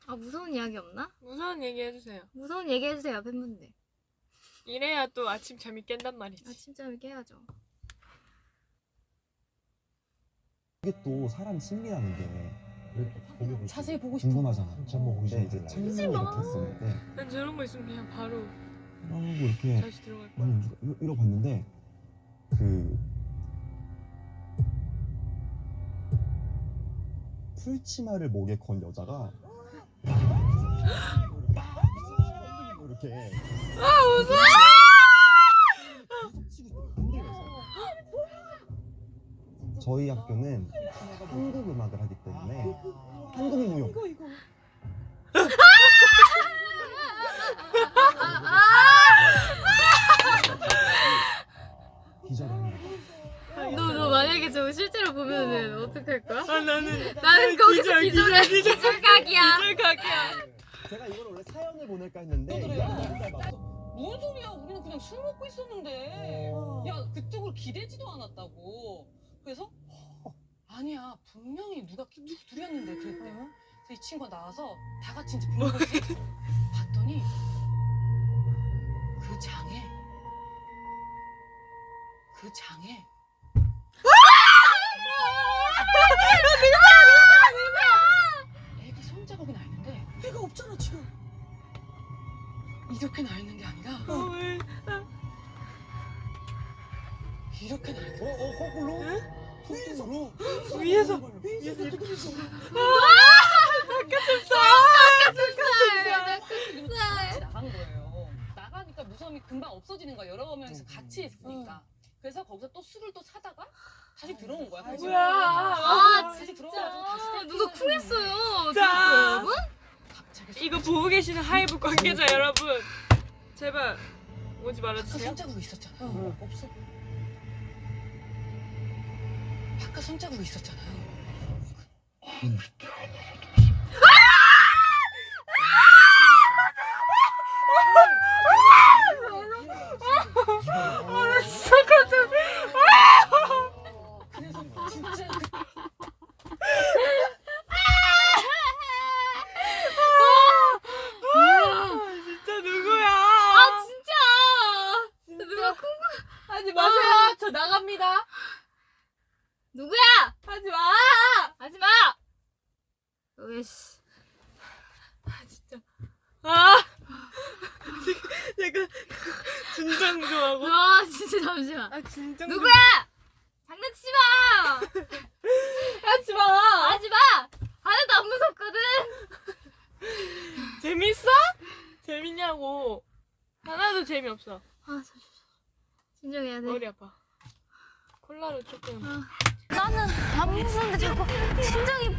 아, 무서운 이야기 없나? 무서운 얘기 해주세요. 무서운 얘기 해주세요, 팬분들. 이래야 또 아침 잠이 깬단 말이지. 아침잠을 깨야죠. 이게 또 사람 심리라는 게 자세히 보고 싶어. 궁금하잖아. 한번 보고 근데 이제 싶은데. 창문이 이렇게 했을 때 난 저런 거 있으면 그냥 바로 이러고 이렇게 다시 들어갈 거야. 이러고 봤는데 그 풀치마를 목에 건 여자가 이렇게 아 무서워! 저희 학교는 한국 음악을 하기 때문에 한국 무용 기절합니다. 너 만약에 저거 실제로 보면은 어떡할 거야? 아 나는 거기서 기절해. 기절각이야. 기절각이야. 제가 이걸 원래 사연을 보낼까 했는데 또 그래요? 이야기가 짧아서 뭔 소리야? 우리는 그냥 술 먹고 있었는데. 야, 그쪽으로 기대지도 않았다고. 그래서 아니야, 분명히 누구 둘이었는데 그랬대. 그래서 이 친구가 나와서 다 같이 이제 보는 거지. 봤더니 그 장에 애기 손자국이 나 있는데 애가 없잖아 지금. 이렇게 나 있는 게 아니라 이렇게 나 있는 거야. 거꾸로? 손등으로? 위에서 나간 거예요. 나가니까 무서움이 금방 없어지는 거야. 여러 명이서 같이 있으니까. 그래서 거기서 또 술을 또 사다가 다시 들어온 거야. 뭐야? 아, 다시 들어와가지고 다시 누가 쿵했어요. 자. 들었어요, 여러분? 갑자기 이거 보고 계시는 하이브 관계자 여러분, 제발 오지 바깥 말아주세요. 손자국이 있었잖아요. 없어. 바깥 손자국이 있었잖아요. 그래서 진짜 진짜 누구야? 아, 진짜. 누가 쿵. 하지 마세요. 저 나갑니다. 누구야? 하지 마. 하지 마. 으이씨. 아 진짜. 아. 약간 진정 좀 하고. 아, 진짜 잠시만. 아 진정. 누구야? 장난치지 마. 하지 마. 하지 마. 하나도 안 무섭거든. 재밌어? 재밌냐고. 하나도 재미없어. 아, 잠시만. 진정해야 돼. 머리 아파. 콜라로 조금. 나는 안 무서운데 자꾸 심장이